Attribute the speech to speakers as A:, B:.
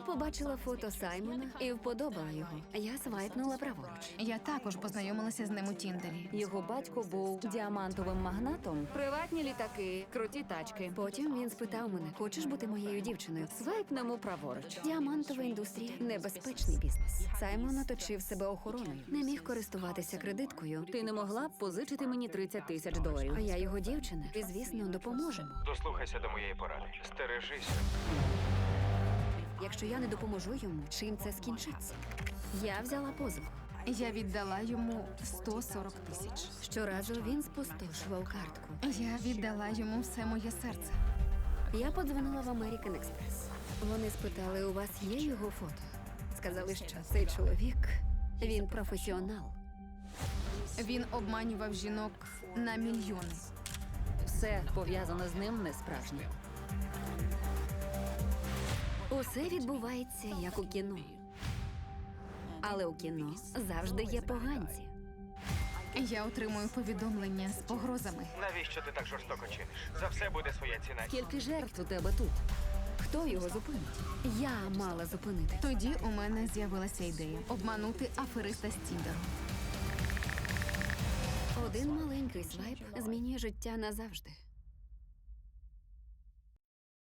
A: побачила фото Саймона і вподобала його. Я свайпнула праворуч.
B: Я також познайомилася з ним у Тіндері.
C: Його батько був діамантовим магнатом. Приватні літаки, круті тачки.
A: Потім він спитав мене: хочеш бути моєю дівчиною?
C: Свайпнемо праворуч.
A: Діамантова індустрія – небезпечний бізнес. Саймон оточив себе охороною. Не міг користуватися кредиткою.
C: Ти не могла б позичити мені $30 000?
A: А я його дівчина. І, звісно, допоможемо.
D: Дослухайся до моєї поради. Стережися.
A: Якщо я не допоможу йому, чим це скінчиться? Я взяла позику.
B: Я віддала йому 140 тисяч.
A: Щоразу він спустошував картку.
B: Я віддала йому все моє серце.
A: Я подзвонила в American Express. Вони спитали, у вас є його фото? Сказали, що цей чоловік, він професіонал.
B: Він обманював жінок на мільйони.
C: Все пов'язане з ним не справжнє.
A: Усе відбувається, як у кіно. Але у кіно завжди є поганці.
B: Я отримую повідомлення з погрозами.
D: Навіщо ти так жорстоко чиниш? За все буде своя ціна.
C: Скільки жертв у тебе тут?
A: Хто його зупинить? Я мала зупинити.
B: Тоді у мене з'явилася ідея обманути афериста з Тіндеру.
A: Один маленький свайп змінює життя назавжди.